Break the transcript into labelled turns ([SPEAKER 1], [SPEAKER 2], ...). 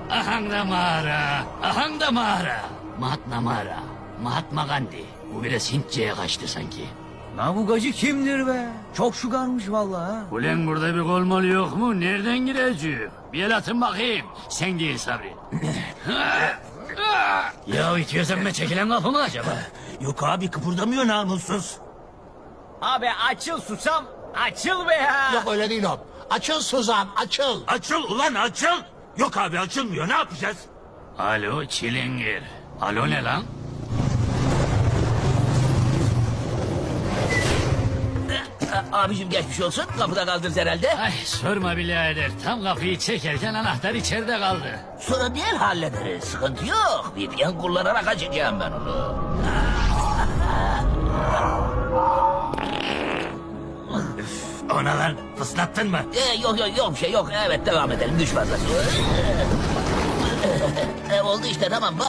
[SPEAKER 1] Ahang da mağara, ahang da mağara. Mahatma mağara, Mahatma Gandhi. Bu biraz Hintçe'ye kaçtı sanki.
[SPEAKER 2] Navugacı kimdir be? Çok şugarmış vallahi. Ha.
[SPEAKER 1] Ulan burada bir kolmalı yok mu? Nereden gireceğim? Bir el atın bakayım. Sen değil Sabri. Ya itiyorsan ben çekilen kapı mı acaba?
[SPEAKER 3] Yok abi kıpırdamıyor namussuz.
[SPEAKER 2] Abi açıl susam. Açıl be ya.
[SPEAKER 4] Yok öyle değil o. Açıl Suzan, açıl.
[SPEAKER 3] Açıl ulan açıl. Yok abi açılmıyor ne yapacağız?
[SPEAKER 1] Alo çilingir. Alo ne lan?
[SPEAKER 5] Abicim geçmiş olsun. Kapıda kaldınız herhalde.
[SPEAKER 1] Ay sorma birader. Tam kapıyı çekerken anahtar içeride kaldı.
[SPEAKER 5] Sonra diğer hallederiz. Sıkıntı yok. VPN kullanarak açacağım ben onu.
[SPEAKER 3] Ona lan fıslattın mı?
[SPEAKER 5] Yok bir şey yok. Evet devam edelim. Güç fazlası. Oldu işte tamam.